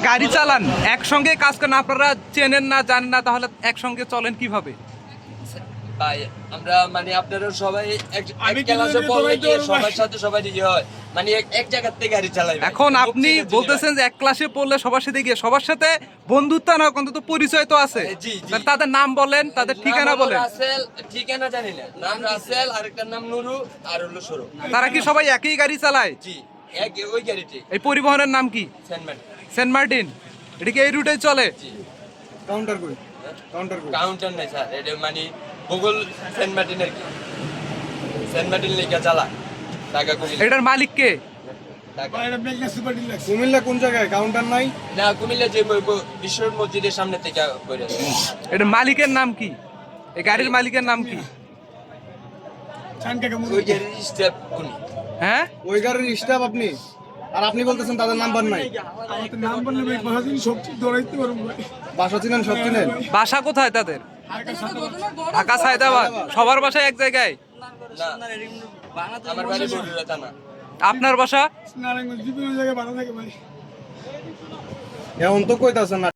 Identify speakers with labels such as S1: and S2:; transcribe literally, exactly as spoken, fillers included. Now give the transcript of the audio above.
S1: গাড়ি চালান একসঙ্গে কাজ করেন, আপনারা চেনেন না জানেন না, তাহলে একসঙ্গে চলেন কিভাবে?
S2: ভাই আমরা মানে আপনারা সবাই এক এক ক্লাসে পড়লে কি সবার সাথে সবাই ইয়ে হয়, মানে এক এক জায়গা থেকে গাড়ি চালাই।
S1: এখন আপনি বলতেছেন যে এক ক্লাসে পড়লে সবার সাথে গিয়ে সবার সাথে বন্ধুত্ব না, অন্তত পরিচয় তো আছে।
S2: জি, জি।
S1: তাহলে তাদের নাম বলেন, তাদের ঠিকানা বলেন।
S2: রাসেল, ঠিকানা জানি না, নাম রাসেল, আরেকটার নাম নুরু, আর হলো সরু।
S1: তারা কি সবাই একই গাড়ি চালায়?
S2: জি, এক ওই গাড়িটি
S1: এই পরিবহনের নাম কি?
S2: সেনমেন্ট।
S1: Saint Martin. এটা কি এই রুটে চলে?
S2: জি।
S3: কাউন্টার কই কাউন্টার কই
S2: কাউন্টার নাই স্যার, এটা মানে গুগল সেন্ট মার্টিনের কি সেন্ট মার্টিন লেখা চালা টাকা কুমিল্লা।
S1: এটার মালিক কে?
S2: টাকা
S3: কুমিল্লা কোন জায়গায় কাউন্টার নাই?
S2: না, কুমিল্লা যে ম- বিশ্ব মসজিদের সামনে থেকে করে।
S1: এটার মালিকের নাম কি? এই গাড়ির মালিকের নাম কি?
S2: ওই গাড়ির স্টেপ উনি।
S1: হ্যাঁ,
S3: ওই গাড়ির স্টাফ আপনি, আর আপনি বলতেছেন তাদের নাম্বার নাই। বাসা চিনেন, সব চিনেন।
S1: বাসা কোথায় তাদের? ঢাকা সায়দাবাদ। সবার বাসা এক জায়গায়?
S2: না, আমার বাড়ি বগুড়া থানা।
S1: আপনার বাসা?
S3: এখন তো কইতাছেন না।